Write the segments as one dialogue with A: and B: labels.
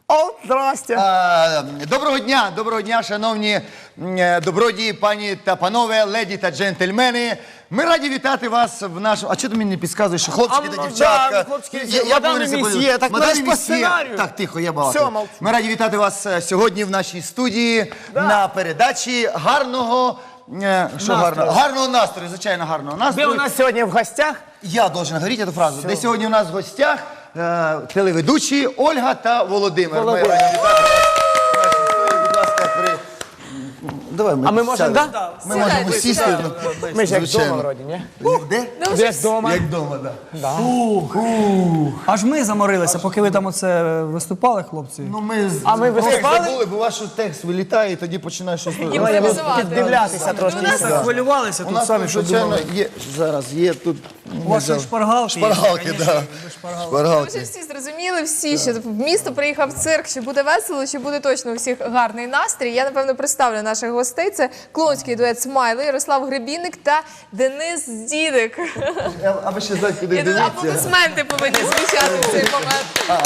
A: О, здрасте.
B: Доброго дня, шановні добродії, пані та панове, леді та джентльмени. Ми раді вітати вас в нашому... А чого ти мені не підказуєш, що хлопчики та дівчатка?
A: Да, хлопчики, мадам і месьє, так
B: мадам
A: наш
B: і
A: по
B: месьє.
A: сценарію.
B: Так, тихо, я балакаю.
A: Все, мовчу.
B: Ми раді вітати вас сьогодні в нашій студії на передачі гарного... Гарного настрою, звичайно, гарного настрою.
A: Де у нас сьогодні в гостях?
B: Я должен говорити цю фразу. Де сьогодні у нас в гостях телеведучі Ольга та Володимир. Ми раді вітати вас. Будь ласка, Давай ми
A: ми можемо,
B: сядемо.
A: да?
B: Ми можемо сісти.
A: Ми ж як
B: Звичайно.
A: вдома вроді, ні?
B: Де?
A: Як вдома.
B: Як вдома, так.
C: Аж ми заморилися, поки ви там оце виступали, хлопці.
B: Ну, ми
A: виступали?
B: забули, бо ваш текст вилітає, і тоді починаєш щось...
A: Я буду піддивлятися трошки.
C: Хвилювалися
B: У
C: тут
B: нас,
C: самі, що
B: звичайно,
C: думали.
B: є, зараз є тут...
C: У вас ще шпаргалки.
B: Шпаргалки, так.
D: Ми
B: Шпаргалки.
D: вже всі зрозуміли, всі, що в місто приїхав цирк, що буде весело, що буде точно у всіх гарний настрій. Я, напевно, представлю наших гостей. Це клоунський дует «Смайли», Ярослав Гребінник та Денис Дідик.
B: А ви ще знаєте, куди
D: І тут
B: дивіться?
D: аплодисменти повинні звучати в цей момент.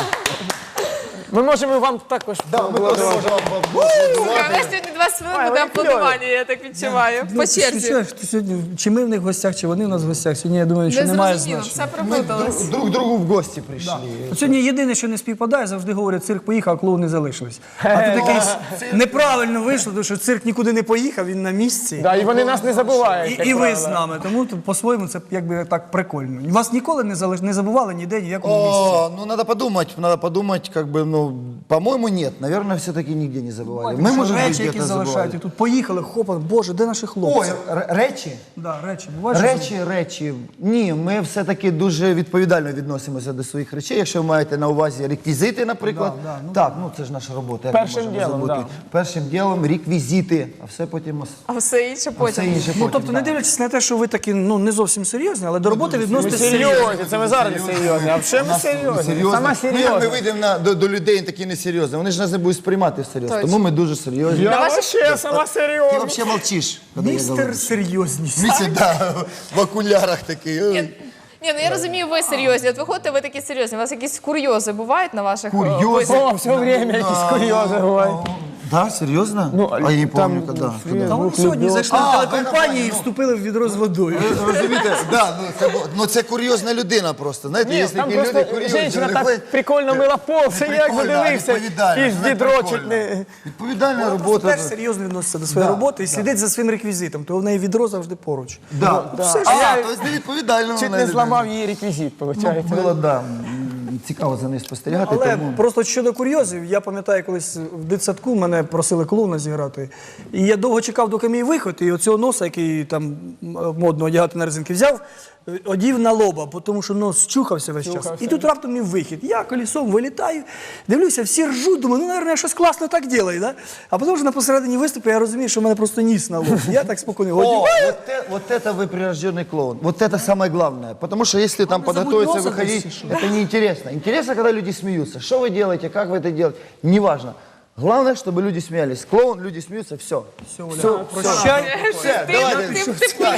A: Ми можемо вам також
B: Ми теж
A: поаплодувати.
B: можемо
D: Слухай, у нас сьогодні 20 хвилин буде аплодування, я так відчуваю. По черзі.
C: Сьогодні, чи ми в них в гостях, чи вони в нас в гостях. Сьогодні, я думаю, що
D: Не
C: немає
D: зрозуміло,
C: значення.
D: все проплуталось.
B: друг другу в гості прийшли.
C: Сьогодні єдине, що не співпадає, завжди говорять, цирк поїхав, а клоуни залишились. А тут якийсь неправильно вийшло, тому що цирк нікуди не поїхав, він на місці.
A: Да, і вони нас не забувають. як
C: І ви
A: правило.
C: з нами, тому по-своєму це якби так прикольно. Вас ніколи не забували ніде, ніякому місці.
B: О, ну надо подумать, как бы, ну, по-моему, нет. Наверное, все-таки нигде не забывали. Мы, может быть,
C: Речі, які
B: где-то
C: залишають. І
B: забывали.
C: тут поїхали, хопа, боже, де наші хлопці?
B: Ой, речі?
C: Да, речі. Бувають, що
B: Речі. Ні, ми все-таки дуже відповідально відносимося до своїх речей. Якщо ви маєте на увазі реквізити, наприклад. Так, ну це ж наша робота. як ми
A: Першим
B: можемо
A: ділом,
B: забути? Першим ділом реквізити, а все потім...
D: А все інше
B: Все
D: потім.
B: інше
C: Ну,
B: потім,
C: тобто, не
B: да.
C: дивлячись на те, що ви такі, ну, не зовсім серйозні, але до роботи
A: Ми
C: відноситесь серйозно.
A: серйозні, це ми зараз не серйозні, а вже ми серйозні. Сама
B: Ми
A: серйозна.
B: вийдемо до людей такі несерйозні. Вони ж нас не будуть сприймати всерйоз. Тому ми дуже серйозні.
A: Я вообще сама
B: Ти
A: серйозна.
B: взагалі мовчиш. коли я
C: Містер
B: говорю.
C: серйозність.
B: Місяць, да, в окулярах такий. Ой.
D: Ні, ну я розумію, ви серйозні. От виходите, ви такі серйозні. У вас якісь курйози бувають на ваших
B: Курйози?
D: виступах?
A: О, все время якісь курйози бувають.
B: Да, серйозно? А я не помню, коли.
C: Та вони сьогодні зайшли в телекомпанію і вступили в відро з водою.
B: Розумієте? Да, ну це курйозна людина просто. Знаєте,
A: Ні,
B: є
A: там
B: такі
A: просто
B: люди курйозні.
A: жінка
B: вони
A: так
B: ходять-
A: прикольно мила пол, це я як
B: Прикольно,
A: задивився.
B: відповідально,
A: І ж
B: знаєте,
A: дідро
B: прикольно.
A: чуть не...
B: Відповідальна
C: Вона просто
B: робота.
C: теж серйозно відноситься до своєї роботи і слідить за своїм реквізитом, то в неї відро завжди поруч.
B: Да.
C: Все ж.
B: А, тобто невідповідально.
A: Чуть не зламав її реквізит, виходить.
B: Було, да. Цікаво за нею спостерігати,
C: Але
B: тому...
C: просто щодо курйозів, я пам'ятаю, колись в дитсадку мене просили клоуна зіграти. І я довго чекав, доки мій виход, і оцього носа, який там модно одягати на резинки, взяв, одів на лоба, тому що нос чухався весь час. І тут раптом мій вихід. Я колесом вилітаю, дивлюся, всі ржуть, думаю, ну, мабуть, щось класно так ділає, да? А потім вже на посередині виступу я розумію, що в мене просто ніс на лоб. Я так спокійно
B: О,
C: одягаю.
B: вот это вы прирожденный клоун. Вот это самое главное. Потому что если там
C: Главное,
B: подготовиться,
C: забудь
B: выходить,
C: носа
B: это неинтересно. Интересно, когда люди смеются. Что вы делаете, как вы это делаете, неважно. Главное, чтобы люди смеялись. Клоун, люди смеются, все. Все,
C: Прощай.
B: все, давайте.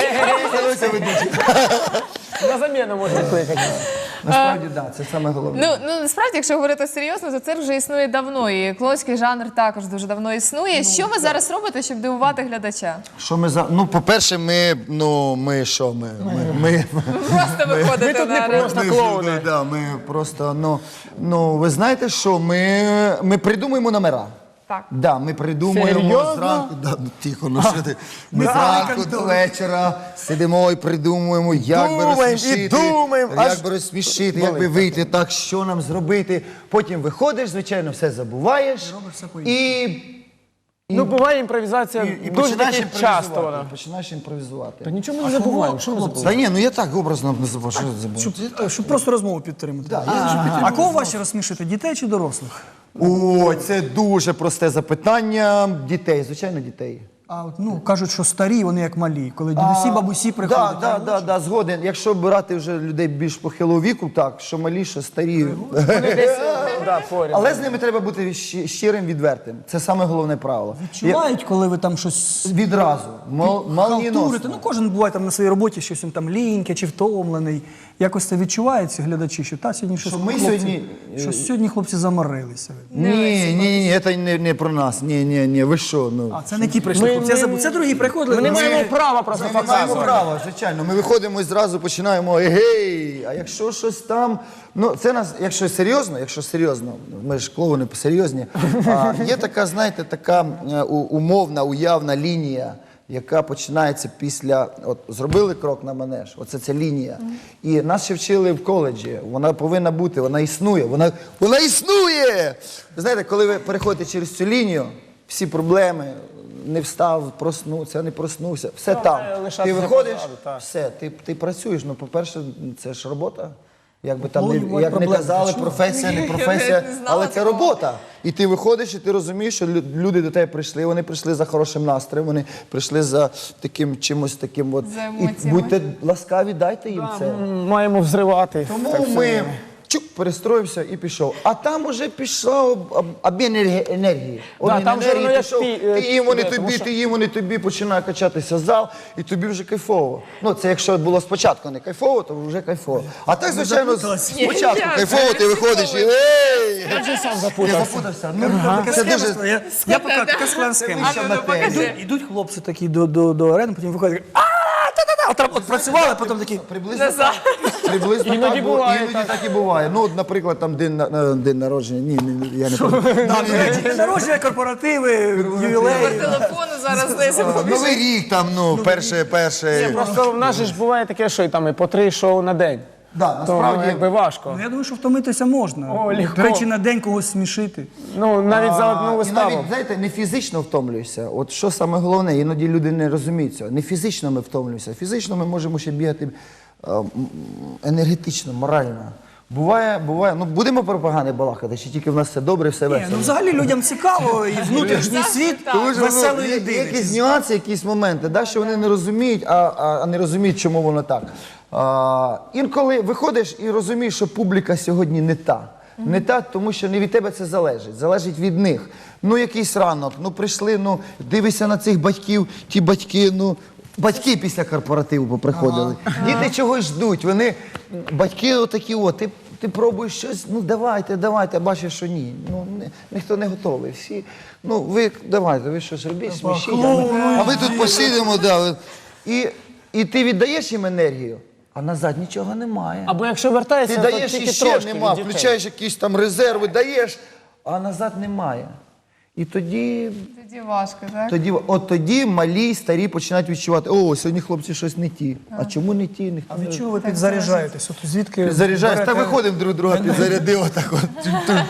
A: На заміну можна кликати.
B: Насправді, да, це саме головне.
D: Ну, насправді, якщо говорити серйозно, то цирк вже існує давно, і клоунський жанр також дуже давно існує. Що ви зараз робите, щоб дивувати глядача?
B: Що ми за... Ну, по-перше, ми що? Ми
D: Просто виходите
A: тут не
D: на арену.
A: просто клоуни.
B: Да, ми просто, ну, ви знаєте що, ми придумуємо номера.
D: Так.
B: Да, ми придумуємо
A: Серйозно?
B: зранку, да, ну, тихо, ну що ти, ми зранку до вечора сидимо і придумуємо, як би
A: Думаємо, і
B: розсмішити,
A: думаємо,
B: як
A: аж
B: би розсмішити, як би вийти, так, що нам зробити. Потім виходиш, звичайно, все забуваєш і
A: Ну, буває імпровізація дуже
B: починаєш
A: таки часто вона.
B: Починаєш імпровізувати.
A: Та нічого ми не забуваємо, що ми забуваємо?
B: Та ні, ну я так образно не забув, що забув.
C: Щоб просто розмову підтримати. А кого важче розсмішити, дітей чи дорослих?
B: О, це дуже просте запитання. Дітей, звичайно, дітей.
C: А от, ну, кажуть, що старі, вони як малі. Коли дідусі, бабусі приходять.
B: Да, згоден. Якщо брати вже людей більш похилого віку, так, що малі, що старі.
A: Вони десь поряд.
B: Але з ними треба бути щирим, відвертим. Це саме головне правило.
C: Відчувають, коли ви там щось
B: Відразу.
C: халтурите.
B: Молнієносно.
C: Ну, кожен буває там на своїй роботі, щось він там ліньке чи втомлений. Якось це відчувається, глядачі, що та сьогодні щось
B: Що ми
C: хлопці,
B: сьогодні,
C: що сьогодні хлопці заморилися.
B: Ні, це не про нас. Ні, ви що? Ну.
C: А це не ті прийшли хлопці, я забув. Це другі приходили.
A: Ми не маємо права просто
B: Ми маємо
A: показувати.
B: право, звичайно. Ми виходимо і зразу починаємо егей, а якщо щось там, ну це нас, якщо серйозно, ми ж клоуни серйозні, є така, знаєте, така умовна, уявна лінія, яка починається після, от зробили крок на манеж, оце ця лінія. І нас ще вчили в коледжі, вона повинна бути, вона існує, вона існує! Ви знаєте, коли ви переходите через цю лінію, всі проблеми, не встав, проснувся, не проснувся, все там.
A: лишатися
B: Ти виходиш,
A: позаду, так.
B: все, ти працюєш. Ну, по-перше, це ж робота. Як би там,
C: Бувають
B: як не
C: проблеми,
B: казали,
C: ти
B: професія, не
D: Я
B: професія,
D: навіть не знала
B: але це
D: такого.
B: робота. І ти виходиш, і ти розумієш, що люди до тебе прийшли, вони прийшли за хорошим настроєм, вони прийшли за таким чимось таким от.
D: За
B: І
D: емоціями.
B: будьте ласкаві, дайте їм це.
A: Маємо взривати.
B: Тому ми перестроївся і пішов. А там уже пішов обмін енергії. Обмін
A: там вже
B: енергії
A: воно як
B: пішов.
A: ти
B: їм, вони
A: тому
B: тобі,
A: що-
B: ти їм, вони тобі, починає качатися зал, і тобі вже кайфово. Ну, це якщо було спочатку не кайфово, то вже кайфово. А так, звичайно, спочатку
D: Ні,
B: кайфово, ти виходиш і ей!
A: Я вже сам
B: Я
A: запутався.
B: запутався. Ну,
C: Така
B: це
C: схема,
B: дуже...
C: я покажу, така склад схема.
B: Вища матерія.
C: Ідуть хлопці такі до арени, потім виходять, от працювали, потім такі,
B: Приблизно
A: Іноді
B: так,
A: буває
B: іноді
A: так.
B: так і буває. Ну, от, наприклад, там день народження. Ні, я не пам'ятаю.
C: день народження, корпоративи, ювілеї.
D: Номер телефону зараз десь
B: Новий рік там, ну, перше.
A: Просто в нас же ж буває таке, що і там і по 3 шоу на день.
B: Да,
A: То
B: насправді,
A: якби важко.
C: Ну, я думаю, що втомитися можна.
A: О, легко.
C: До речі, на день когось смішити.
A: Ну, навіть за одну
B: і
A: виставу.
B: навіть, знаєте, не фізично втомлюєшся. От що саме головне, іноді люди не розуміють цього. Не фізично ми втомлюємося. Фізично ми можемо ще бігати енергетично, морально. Буває, ну будемо про погане балакати, чи тільки в нас все добре, все
C: Ні,
B: весело.
C: ну взагалі людям цікаво і внутрішній світ
B: Тому що,
C: веселої
B: є
C: людини.
B: якісь нюанси, якісь моменти, да, що вони не розуміють, а не розуміють, чому воно так. Інколи виходиш і розумієш, що публіка сьогодні не та. Не та, тому що не від тебе це залежить, залежить від них. Ну, якийсь ранок, ну прийшли, ну дивишся на цих батьків, ті батьки, ну. Батьки після корпоративу поприходили. Діти чогось ждуть. Вони, батьки отакі, ти пробуєш щось, ну давайте, а бачиш, що ні. Ну, ніхто не готовий. Всі, ну ви давайте, ви щось робіть, смішіть. А ви тут посидимо, да. І ти віддаєш їм енергію, а назад нічого немає.
A: Або якщо вертаєшся,
B: Ти
A: то
B: даєш
A: тільки
B: і ще
A: трошки
B: нема,
A: від дітей.
B: включаєш якісь там резерви, даєш, а назад немає. І тоді
D: важко, так?
B: тоді малі і старі починають відчувати, о, сьогодні хлопці щось не ті. А чому не ті? Ніхто
C: А
B: не
C: від чого ви підзаряджаєтесь? От звідки
B: заряджаєш. Та
C: берете-
B: виходимо друг друга, підзарядив отак от.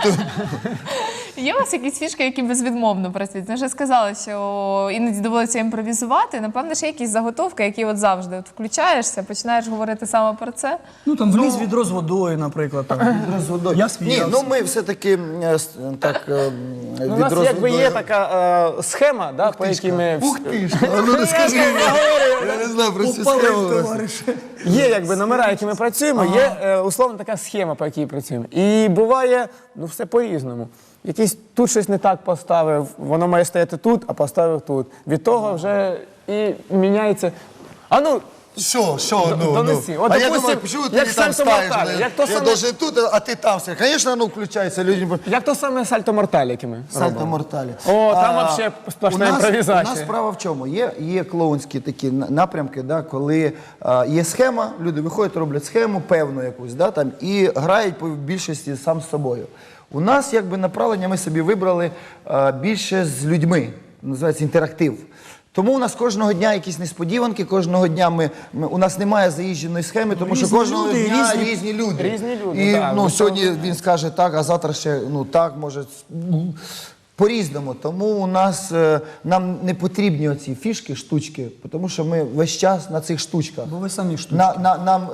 D: Є у вас якісь фішки, які безвідмовно працюють? Ви вже сказали, що іноді доводиться імпровізувати. Напевно, ще якісь заготовки, які от завжди от включаєшся, починаєш говорити саме про це.
C: Ну там вліз відро з водою, наприклад. Там. Я
B: Ні,
C: сміявся.
B: ну ми все-таки так
A: Ну, у нас якби є така схема, да, по якій ми...
B: Ух ти ж, ну не скажи, я не знаю про цю
C: Упалив,
B: схему.
C: товариш.
A: Є якби номера, які ми працюємо, є условно така схема, по якій працюємо. І буває, ну все по-різному. Якийсь тут щось не так поставив, воно має стояти тут, а поставив тут. Від того вже і міняється. А ну,
B: Що,
A: донеси. От,
B: А я
A: допустим,
B: думаю, чому ти
A: як
B: не там
A: сальто
B: ставиш?
A: мортале, як то
B: Я
A: саме-
B: должен тут, а ти там все. Звісно, ну включається людям.
A: як то саме сальто морталь, яке ми
B: Сальто
A: робимо.
B: морталі.
A: О, там вообще сплошна імпровізація.
B: У нас справа в чому? Є клоунські такі напрямки, да, коли є схема, люди виходять, роблять схему певну якусь, да, там, і грають по більшості сам з собою. У нас якби направлення ми собі вибрали більше з людьми, називається інтерактив. Тому у нас кожного дня якісь несподіванки, кожного дня у нас немає заїждженої схеми, тому що
C: Різні
B: кожного
C: люди,
B: дня
C: різні-
B: різні люди.
A: Різні люди,
B: І
A: так.
B: ну, сьогодні він скаже так, а завтра ще ну так, може. По-різному. Тому у нас, нам не потрібні оці фішки, штучки, тому що ми весь час на цих штучках.
C: Бо ви самі штучки.
B: Нам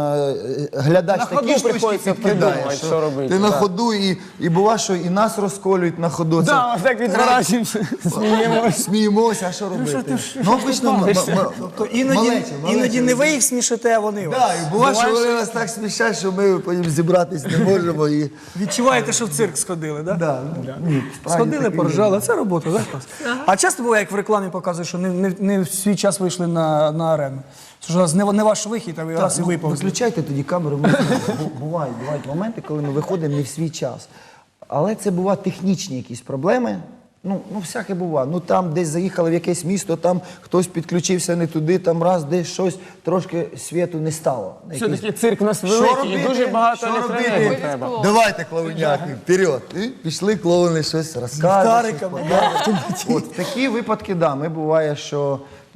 B: глядач
A: На
B: такі
A: ходу
B: штучки
A: приходиться
B: підкидає,
A: придумувати, що робити,
B: ти на
A: да.
B: ходу і буває, що і нас розколюють на ходу.
A: Да, ось так відворачуємося, сміємося.
B: Сміємося, а що робити? Ну, обично,
C: Тобто іноді не ви їх смішите, а вони вас.
B: да, і буває, що вони нас так смішать, що ми потім зібратись не можемо. І...
C: Відчуваєте, що в цирк сходили, так?
B: Да, ні, справді
C: Сходили,
B: таке
C: поржали, це робота, так? А часто буває, як в рекламі показують, що не в свій час вийшли на арену. Що ж не ваш вихід, а ви раз і виповзли.
B: Виключайте тоді камеру. Бувають моменти, коли ми виходимо не в свій час. Але це бувають технічні якісь проблеми. Ну, всяке буває. Ну, там десь заїхали в якесь місто, там хтось підключився не туди, там раз, десь щось, трошки світу не стало.
A: Все-таки цирк у нас
B: Що
A: великий
B: робити?
A: і дуже багато
B: Що
A: електроенергії
B: робити?
A: треба.
B: Давайте, клоуняки, вперед. І пішли клоуни, щось розказують.
C: Ліхтариками,
B: От в такі випадки, да, ми буває, що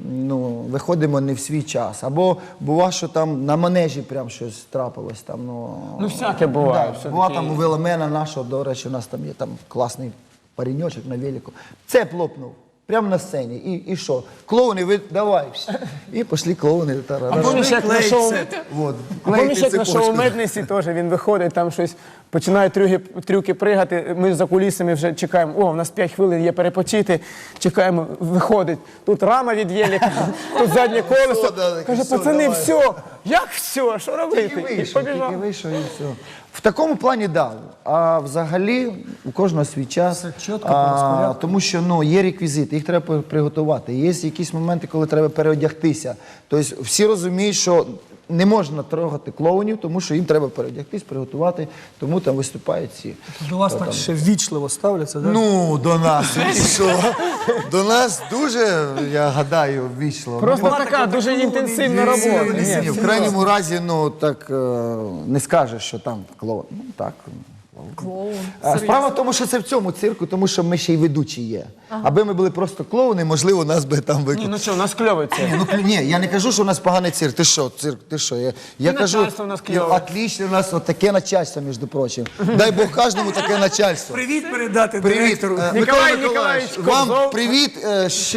B: виходимо не в свій час. Або буває, що там на манежі прям щось трапилось. Там,
A: Ну, всяке буває.
B: Да,
A: все-таки.
B: була там у веломена нашого, до речі, у нас там є там класний пареньочок на велику. Цеп лопнув. Прямо на сцені. І що? Клоуни, ви давай. І пішли клоуни.
A: А помніш, як на шоу...
B: Вот.
A: Помніш, як на шоу Меднесі теж він виходить, там щось починає трюки пригати. Ми за кулісами вже чекаємо. О, у нас 5 хвилин є перепочити. Чекаємо, виходить. Тут рама від єліка, тут заднє колесо. Каже, пацани, все. Як все? Що робити? І побіжав.
B: Тільки вийшов і все. В такому плані да. А взагалі у кожного свій час.
C: Все чітко, по розпорядку.
B: Тому що є реквізити, їх треба приготувати. Є якісь моменти, коли треба переодягтися. Тобто всі розуміють, що не можна трогати клоунів, тому що їм треба переодягтись, приготувати, тому там виступають ці.
C: До вас так ще ввічливо ставляться, так?
B: Ну, до нас, і що? До нас дуже, я гадаю, ввічливо.
A: Просто така дуже інтенсивна робота.
B: Ні, в крайньому разі, так не скажеш, що там клоун. Ну так.
D: Клоун.
B: Справа в тому, що це в цьому цирку, тому що ми ще й ведучі є. Аби ми були просто клоуни, можливо, нас би там
A: Ні,
B: викликали.
A: ну що, у нас кльовий цирк.
B: Ні, я не кажу, що у нас поганий цирк. Ти що, цирк, ти що? Я кажу,
A: начальство у нас кльове.
B: отлично, у нас таке начальство, між прочим. Дай Бог кожному таке начальство.
C: Привіт передати
B: Привіт,
C: директору.
A: Ніколай Ніколаєвич
B: вам
A: Кобзов.
B: привіт,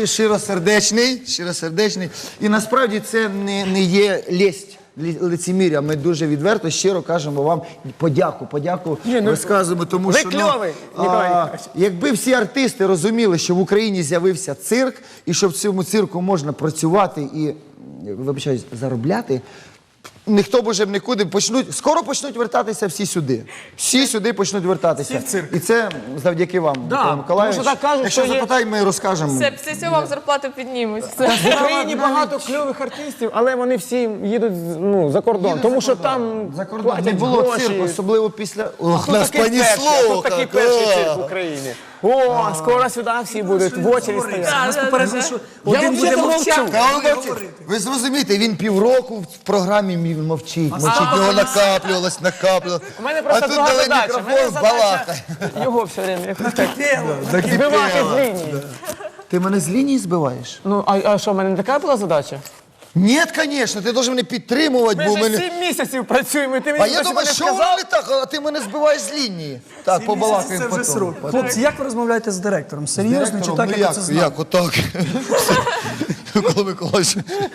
B: щиросердечний. І насправді це не є лесть. Лицеміря, ми дуже відверто, щиро кажемо вам подяку розказуємо, тому
A: ви
B: що
A: кльовий, Ніколай Ніколаєвич.
B: якби всі артисти розуміли, що в Україні з'явився цирк, і що в цьому цирку можна працювати і, вибачаюсь, заробляти, ніхто б уже нікуди скоро почнуть вертатися всі сюди. Всі сюди почнуть вертатися.
C: Всі в цирк.
B: І це завдяки вам, Микола Миколаївич.
A: тому що так кажуть,
B: Якщо
A: що є-
B: запитай, ми розкажемо.
D: Все, після цього вам зарплату піднімуть. Все.
A: В Україні багато кльових артистів, але вони всі їдуть за кордон. Тому що там
B: За кордон не
A: платять
B: було
A: гроші.
B: цирку, особливо після... Ох,
A: Тут
B: нас
A: такий перший, а
B: понесло!
A: тут такий
B: як,
A: перший
B: а.
A: цирк в Україні. О, скоро сюди всі будуть в очері стояти.
C: Нас попередили, що один буде
A: взагалі
C: мовчати,
A: мовчав.
B: Та
C: другий
B: ви
C: говорити.
B: Ви зрозумієте, він півроку в програмі мовчить. Його накаплювалось.
A: У мене просто
B: А тут
A: друга
B: дали
A: задача. У мене
B: мікрофон,
A: задача
B: балакай.
A: його все время як
C: Тело.
A: збивати з лінії.
B: Ти мене з лінії збиваєш?
A: Ну, а що, в мене не така була задача?
B: Ні, звісно, ти должен мене підтримувати, бо
A: Ми
B: в
A: вже
B: мене...
A: 7 місяців працюємо, і ти мені
B: А я
A: досі
B: думаю,
A: не
B: що воно
A: сказав?
B: не так, а ти мене збиваєш з лінії. Так, побалакаємо
C: Це вже
B: потім.
C: срок. Хлопці, як ви розмовляєте з директором? Серйозно чи так, як ви це знаєте?
B: Як, отак? Микола Миколаївич.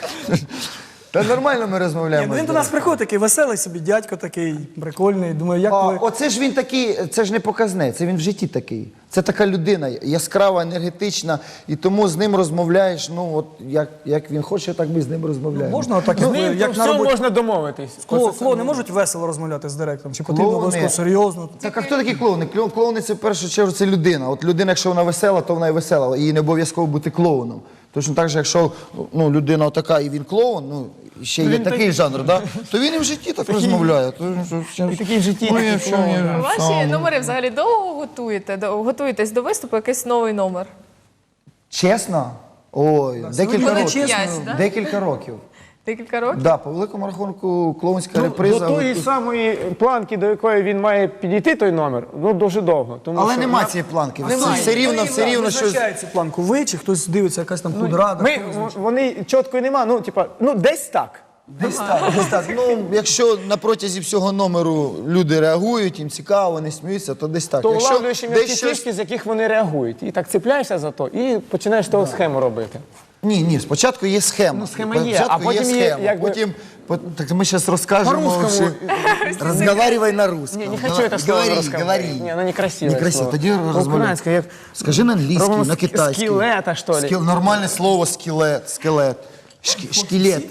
B: Та нормально ми розмовляємо.
C: Він до нас приходить такий веселий собі, дядько такий, прикольний. Думаю, як ви...
B: Оце ж він такий, це ж не показне, це він в житті такий. Це така людина, яскрава, енергетична, і тому з ним розмовляєш, ну от як він хоче, так ми з ним розмовляємо.
C: Можна отак,
A: З ним
C: як на
A: все
C: роботі?
A: можна домовитись.
C: Клоуни можуть весело розмовляти з директором? Чи потрібно
B: Клоуни?
C: обов'язково серйозно?
B: Так, а хто такі клоуни? Клоуни це в першу чергу це людина. От людина, якщо вона весела, то вона і весела. Їй не обов'язково бути клоуном. Точно так же, якщо людина така і він клоун, ще є такий жанр, да? То він і в житті так розмовляє.
A: І такий в житті,
B: Ну,
A: такий
B: якщо
A: клоун.
B: ні,
D: Ваші номери взагалі довго готуєте? Готуєтесь до виступу, якийсь новий номер?
B: Чесно? Ой, декілька
D: Буде
B: років.
D: 5, да?
B: Декілька років.
D: Декілька років?
B: Да, по великому рахунку клоунська
A: До
B: реприза.
A: тої самої планки, до якої він має підійти той номер, дуже довго. Тому
B: Але
A: що
B: нема цієї планки.
A: Немає.
B: Все рівно щось.
C: Визначає цю планку ви, чи хтось дивиться, якась там худрада?
A: вони чіткої нема, десь так.
B: Десь так, десь так. Ну, якщо на протязі всього номеру люди реагують, їм цікаво, вони сміються, то десь так.
A: То
B: Якщо
A: улавлюєш їм ті
B: десь щось...
A: фішки, з яких вони реагують. І так цепляєшся за то, і починаєш того схему робити.
B: Ні, спочатку є схема.
A: Ну, схема є,
B: Спочатку
A: а потім є,
B: схема.
A: якби-
B: Потім, так ми зараз розкажемо.
A: По-русскому.
B: Розговаривай на русском.
A: Не хочу это слово
B: Говори,
A: русском.
B: говори.
A: Не, ну некрасивое
B: Некрасиво.
A: слово.
B: Тоді розмовляй.
A: Українською, як...
B: Скажи на англійський,
A: Робимо
B: на китайський.
A: скелета, що ли?
B: Нормальне слово скелет. Скелет. Шкелет.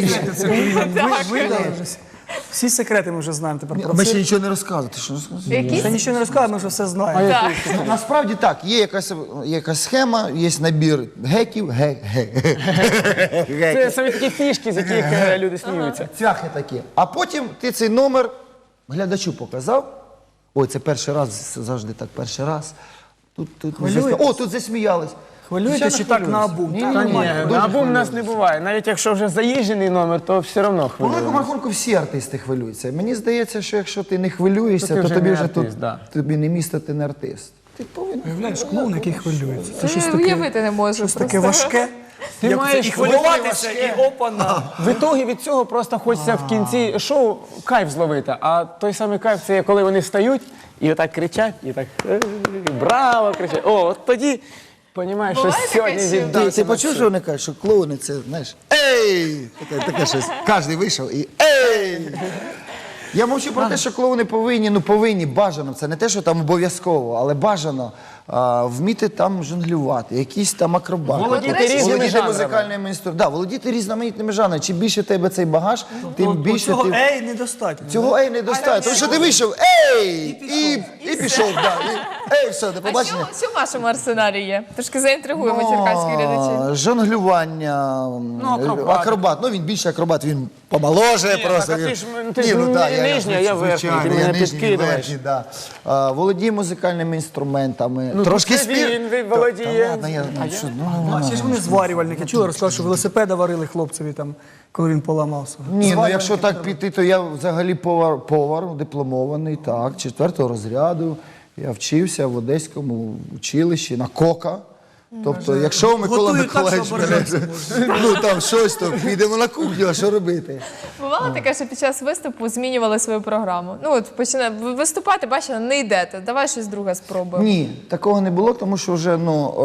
C: Всі секрети ми вже знаємо тепер про
B: Ми ще
C: цирк.
B: нічого не розказуємо. Ти що не розказуєш?
C: Ще
D: Якісь?
C: нічого не розказуємо, ми вже все знаємо.
B: Ну, насправді так, є якась схема, є набір геків,
A: Це самі такі фішки, з яких люди сміються.
B: цвяхи такі. А потім ти цей номер глядачу показав. Ой, це перший раз, завжди так, перший раз. Тут не
C: Хвилюєтесь?
B: засміялись. О, тут засміялись.
C: Хвилюєтесь чи так на обум? Так,
A: Та
C: нормально.
A: ні, на абум нас не буває. Навіть якщо вже заїжджений номер, то все одно
B: По великому
A: хвилюємо.
B: рахунку всі артисти хвилюються. Мені здається, що якщо ти не хвилюєшся,
A: То ти
B: то
A: вже
B: тобі
A: не
B: вже
A: артист,
B: тут
A: да.
B: тобі не місто, ти не артист. Ти повинен.
C: Уявляєш, клоун, який хвилюється. Це
D: Це
C: щось
D: я
C: таке,
D: уявити не можу.
C: щось таке
D: просто.
C: важке.
A: Ти
C: Як
A: маєш
C: це і хвилюватися, і опана.
A: В ітогі від цього просто хочеться в кінці шоу кайф зловити. А той самий кайф це є, коли вони встають і отак кричать, і так браво кричать. О, от тоді розумієш, що
D: Буває таке,
A: сьогодні
D: що-
A: відбудеться.
B: Ти почув, що вони кажуть, що клоуни це, знаєш, ей! Таке щось. Кожен вийшов і ей! Я мовчу про те, що клоуни повинні, бажано. Це не те, що там обов'язково, але бажано вміти там жонглювати, якісь там акробати.
A: Володіти
D: речі,
A: різними
B: володіти
A: жанрами.
B: музикальними інструментами. Да, володіти різноманітними жанрами. Чим більше в тебе цей багаж, тим більше
C: Цього
B: ти...
C: ей недостатньо.
B: Цього ей не достатньо. Тому що ти вийшов, ей! І пішов, да. Ей, все, до
D: А
B: побачення.
D: що в вашому арсеналі є? Трошки заінтригуємо черкаські глядачі.
B: Жонглювання, акробат. Ну він більше акробат, він помоложе просто.
A: так, а
B: він-
A: ти ж, ти
B: Ні,
A: ж
B: так, я
A: нижня, я верхня,
B: звичайно,
A: ти мене
B: я нижній,
A: підкидуєш.
B: верхній, да. Володіє музикальними інструментами.
A: Ну,
B: Трошки
A: це він володіє.
B: Та ладно,
C: А ще ж вони зварювальники. Чули, розказали, що велосипеда варили хлопцеві там, коли він поламався.
B: Ні, ну якщо так піти, то я взагалі повар дипломований, так, 4-го розряду. Я вчився в Одеському училищі на кока. Тобто, якщо Микола
C: Готують так,
B: Миколаївич
C: що
B: мене,
C: ображатися
B: ну там щось, то підемо на кухню, а що робити?
D: Бувало таке, що під час виступу змінювали свою програму. Ну от починає виступати, бачите, не йдете. Давай щось друге спробуємо.
B: Ні, такого не було, тому що вже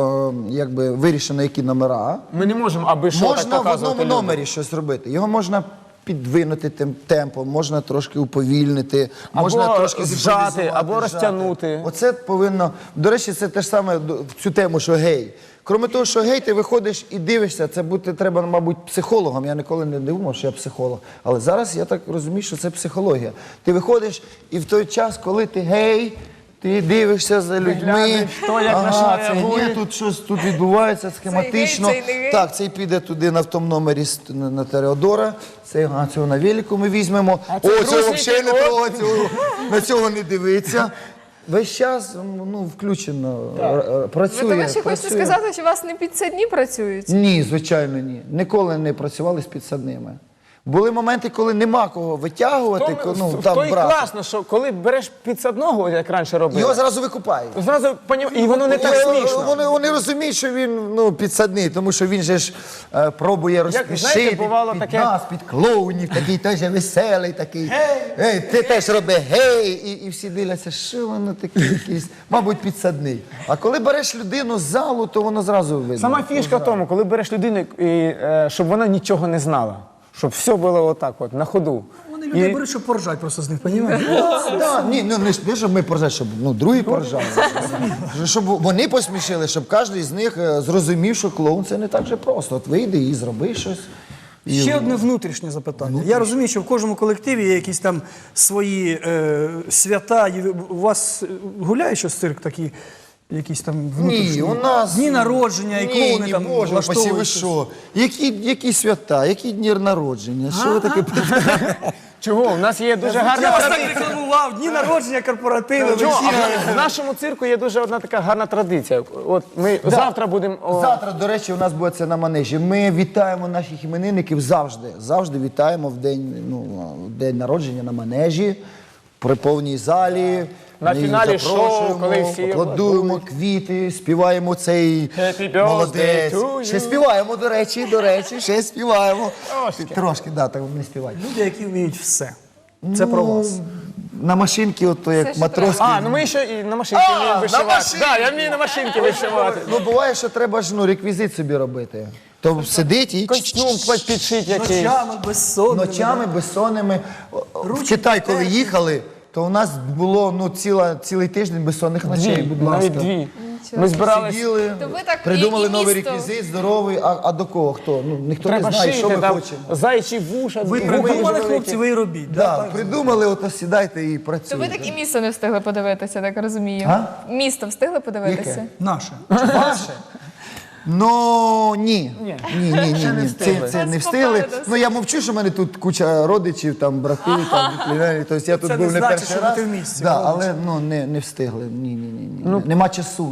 B: якби вирішено, які номера.
A: Ми не можемо, аби що так
B: Можна в
A: показувати
B: одному
A: людям.
B: номері щось робити. Його можна підвинути тим темпом, можна трошки уповільнити,
A: Або
B: можна трошки
A: зжати,
B: зімпровізувати,
A: або
B: зжати.
A: розтягнути.
B: Оце повинно. До речі, це те ж саме в цю тему, що гей. Крім того, що гей, ти виходиш і дивишся, це бути треба, мабуть, психологом. Я ніколи не думав, що я психолог. Але зараз я так розумію, що це психологія. Ти виходиш, і в той час, коли ти гей, ти дивишся за людьми.
A: Глянеш, хто як на що
B: це
A: реагує.
B: гей, тут щось тут відбувається схематично.
D: Цей гей, цей не гей.
B: Так, цей піде туди на в тому номері на Тереодора. Цього на велику ми візьмемо. О,
A: це
B: цього
A: дружній
B: взагалі не
A: пілот.
B: трогать, на цього не дивиться. Весь час включено, працює.
D: Ви, до речі, хочете
B: працює.
D: сказати, що у вас не підсадні працюють?
B: Ні, звичайно, ні. Ніколи не працювали з підсадними. Були моменти, коли нема кого витягувати,
A: То і
B: брати.
A: класно, що коли береш підсадного, як раніше робили,
B: Його зразу викупають.
A: зразу і воно не так смішно.
B: Вони розуміють, що він підсадний, тому що він же ж пробує розсмішити
A: знаєте, бувало
B: під
A: таке-
B: нас, під клоунів, такий теж веселий, такий. Ей, ти теж роби гей, і всі дивляться, що воно таке якийсь, мабуть, підсадний. А коли береш людину з залу, то воно зразу видно.
A: Сама фішка в тому, коли береш людину, щоб вона нічого не знала. Щоб все було отак, от, на ходу.
C: Вони людей беруть, щоб поржать просто з них, розумієш?
B: Да, ні, не щоб ми поржали, щоб другі поржали. Щоб вони посмішили, щоб кожен з них зрозумів, що клоун це не так же просто. От вийди і зроби щось.
C: Ще одне внутрішнє запитання. Я розумію, що в кожному колективі є якісь там свої свята. У вас гуляє щось цирк такий? Якісь там внутрішні?
B: Ні, у нас...
C: Дні народження і клоуни
B: ні,
C: там
B: Боже, упасі, ви
C: влаштовують.
B: що? Які свята, які дні народження? Що ви таке?
A: Чого? У нас є дуже гарна
C: Я вас так
A: традиція.
C: рекламував, дні народження, корпоративи,
A: Чого?
C: вечірки.
A: В нашому цирку є дуже одна така гарна традиція. От ми завтра будемо...
B: Завтра, до речі, у нас буде це на манежі. Ми вітаємо наших іменинників завжди. Завжди вітаємо в день народження на манежі. при повній залі.
A: На
B: ми
A: фіналі
B: їх запрошуємо,
A: шоу, коли всі
B: аплодуємо, квіти, співаємо цей
A: Happy birthday
B: молодець.
A: to you.
B: Ще співаємо, до речі, ще співаємо. Трошки, да, так не співаємо.
C: Люди, які вміють все. Це про вас.
B: На машинки, ото як
D: що
B: матроски.
A: Ну ми ще і на машинці вміємо
B: на
A: вишивати.
B: машинці!
A: Так, я вмію на машинці вишивати.
B: Ну, буває, що треба ж реквізит собі робити. То сидить і
A: Костюм підшить якийсь.
C: Ночами, безсонними.
B: ночами безсонними. В Китай, коли їхали, то у нас було цілий тиждень безсонних ночей, будь ласка.
A: Навіть дві. Ми збиралися.
B: Сиділи,
D: То ви так
B: придумали
D: і
B: новий
D: місто.
B: реквізит, здоровий, а до кого хто? Ну, ніхто
A: Треба
B: не знає, що
A: шити,
B: ми
A: там
B: хочемо.
A: зайчі вуша.
C: Ви
A: губи
C: придумали,
A: великі.
C: хлопці, ви і робіть.
B: Да,
C: так?
B: придумали, ото сідайте і
D: То
B: працюйте.
D: ви так і місто не встигли подивитися, так розумію.
B: А?
D: Місто встигли подивитися?
B: Яке?
C: Наше.
B: Ваше? Ну, ні. Ні.
A: встигли.
B: Це не
D: Вас
B: встигли.
D: попереду.
B: Ну, я мовчу, що в мене тут куча родичів, там, брати, там, племянники. Тобто я тут
C: Це
B: був
C: не
B: не
C: значить,
B: перший
C: що ви
B: раз.
C: ти в місті,
B: Да,
C: молодець.
B: але ну, не встигли. Ні. Нема часу.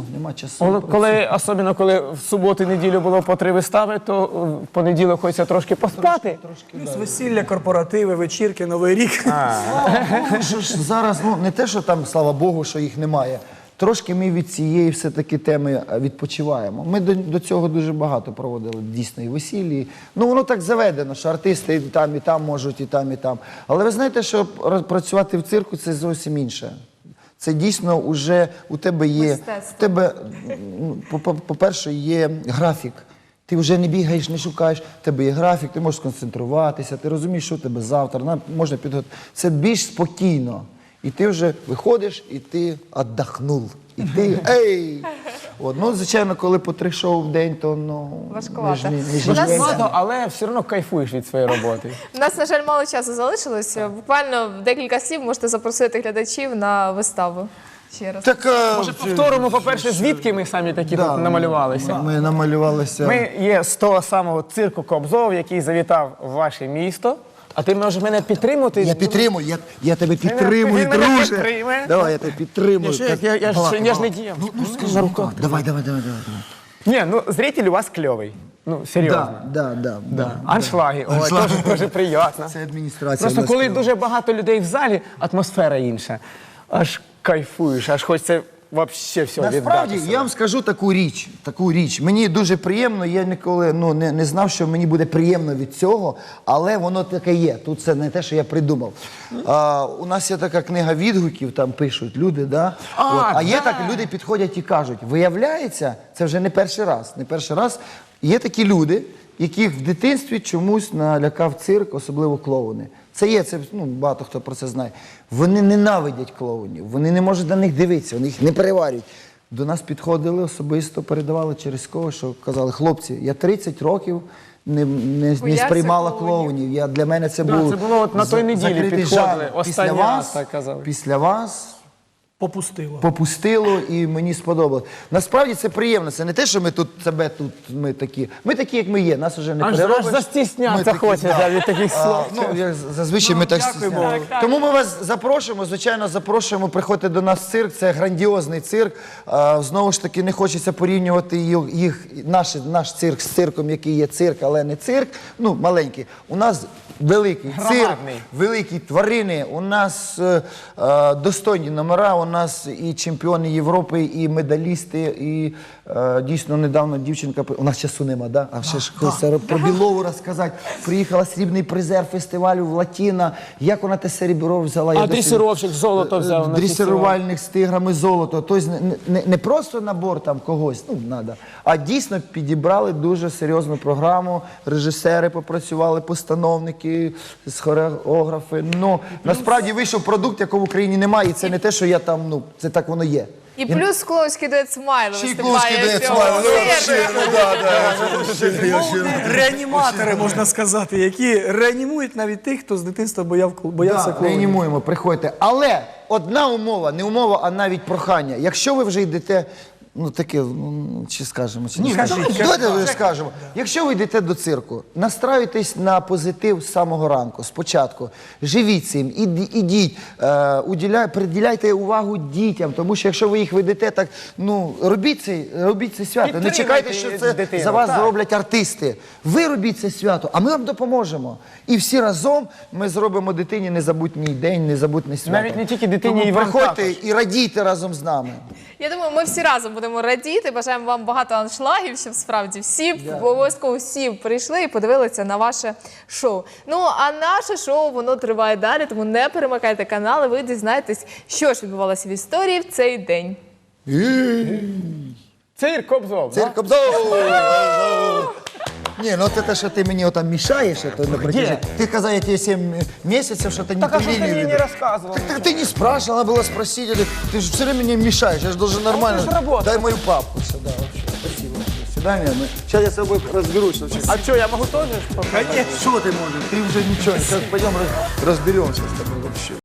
A: Особливо коли в суботу і неділю було по 3 вистави, то в понеділок хочеться трошки поспати.
C: Плюс весілля, корпоративи, вечірки, Новий рік.
B: Ну, що ж зараз, ну, не те, що там, слава Богу, що їх немає. Трошки ми від цієї все-таки теми відпочиваємо. Ми до цього дуже багато проводили, дійсно, і весіллі. Ну, воно так заведено, що артисти і там можуть, і там, і там. Але ви знаєте, що працювати в цирку – це зовсім інше. Це дійсно вже у тебе є,
D: Мистецтво.
B: у тебе, ну, по-перше, є графік. Ти вже не бігаєш, не шукаєш, в тебе є графік, ти можеш сконцентруватися, ти розумієш, що у тебе завтра, можна підготувати. Це більш спокійно. І ти вже виходиш, і ти віддохнув. І ти, ей! От, ну, звичайно, коли по 3 шоу в день, то, ну,
D: Важкувато.
B: ми ж не
D: У нас-
B: живемо.
A: Але все одно кайфуєш від своєї роботи.
D: У нас, на жаль, мало часу залишилось. Буквально в декілька слів можете запросити глядачів на виставу. Ще раз.
B: Так,
A: Може, повторимо, по-перше, звідки ми самі такі
B: да,
A: тут намалювалися.
B: Ми намалювалися.
A: Ми є з того самого цирку Кобзов, який завітав в ваше місто. А ти можеш мене підтримати?
B: Я підтримую, я тебе підтримую,
A: Він мене
B: друже.
A: підтримує.
B: Давай, я тебе підтримую.
A: Я ж не діяв.
B: Ну, скажи, на руках. Давай.
A: Ні, ну зритель у вас кльовий. Ну, серйозно.
B: Да.
A: Аншлаги, ой,
B: Аншлаги.
A: теж дуже приємно.
B: Це адміністрація.
A: Просто
B: у нас
A: коли
B: кльова.
A: дуже багато людей в залі, атмосфера інша. Аж кайфуєш, аж хочеться взагалі все
B: Насправді,
A: віддати.
B: я вам скажу таку річ. Мені дуже приємно, я ніколи не знав, що мені буде приємно від цього, але воно таке є. Тут це не те, що я придумав. У нас є така книга відгуків, там пишуть люди, да? А є так, люди підходять і кажуть, виявляється, це вже не перший раз. Не перший раз є такі люди, яких в дитинстві чомусь налякав цирк, особливо клоуни. Це багато хто про це знає. Вони ненавидять клоунів, вони не можуть на них дивитися, вони їх не переварюють. До нас підходили особисто, передавали через кого, що казали, хлопці, я 30 років не
D: Боявся
B: сприймала
D: клоунів.
B: клоунів. Для мене це
A: Да,
B: був
A: це було от на той неділі
B: закритий
A: підходили,
B: жанр.
A: останній раз так казали.
B: Після вас
C: Попустило.
B: попустило і мені сподобалось. Насправді це приємно. Це не те, що ми такі. Ми такі, як ми є. Нас вже не
A: Аж
B: переробиш.
A: застіснятися
B: Ми такі,
A: хочеться від таких слов.
B: Зазвичай ми так
C: дякуємо.
B: стісняємося. Тому ми вас запрошуємо, звичайно, запрошуємо, приходьте до нас в цирк, це грандіозний цирк. Знову ж таки, не хочеться порівнювати наш цирк з цирком, який є цирк, але не цирк, маленький. У нас великий цирк,
A: Громадний.
B: великі тварини, у нас достойні номера, у нас і чемпіони Європи, і медалісти, і дійсно недавно дівчинка, у нас часу нема, да? А ще ж хочеться про Білову розказати. Приїхала срібний призер фестивалю в Латіна, як вона те серебро взяла. я
A: А
B: досі-
A: дресировщик золото взяв на фестиваль.
B: Дресирувальник з тиграми золото. Тобто не просто набор там когось, надо, а дійсно підібрали дуже серйозну програму, режисери попрацювали, постановники, хореографи. Насправді вийшов продукт, якого в Україні немає, і це не те, що я там, це так воно є.
D: І плюс клоунський дует «Смайл»
B: Ще й
D: виступає
B: клоунський дует
D: в цьому
B: «Смайл»,
D: цирку.
C: Реаніматори, можна сказати, які реанімують навіть тих, хто з дитинства боявся клоунів.
B: Реанімуємо, приходьте. Але одна умова, не умова, а навіть прохання. Якщо ви вже йдете ну таке, ну, чи скажемо, чи
C: Ні,
B: не скажемо.
C: кажіть,
B: Давайте скажемо. Якщо ви йдете до цирку, настраюйтесь на позитив з самого ранку, спочатку. Живіть цим, ідіть, приділяйте увагу дітям, тому що якщо ви їх ведете, так, ну, робіть це свято. Не чекайте, що це
A: дитину,
B: за вас
A: так.
B: зроблять артисти. Ви робіть це свято, а ми вам допоможемо. І всі разом ми зробимо дитині незабутній день, незабутне свято.
A: Навіть не тільки дитині,
B: Тому
A: і вам
B: приходьте
A: також.
B: і радійте разом з нами.
D: Я думаю, ми всі разом будемо радіти. Бажаємо вам багато аншлагів, щоб справді обов'язково всі прийшли і подивилися на ваше шоу. Ну, а наше шоу, воно триває далі, тому не перемикайте канали, ви дізнаєтесь, що ж відбувалося в історії в цей день.
A: Цирк Кобзов. да?
B: Цирк Обзор! Ні, ну це те, що ти мені отам мішаєш, то на протяжении. Ти казав, я тебе 7 місяців, що ти не
A: Так,
B: ту
A: а що ти
B: лінію
A: мені не
B: ведеш.
A: розказував?
B: Так ты не спрашивал, надо было спросить. Или ты же все время мне мешаешь, я же должен нормально.
A: это ж работа.
B: Дай мою папку сюда вообще. Спасибо. До свидания. Сейчас я с тобой разберусь вообще.
A: А що, я можу теж?
B: Что ты можешь? Ты уже ничего. Сейчас пойдем разберемся с тобой вообще.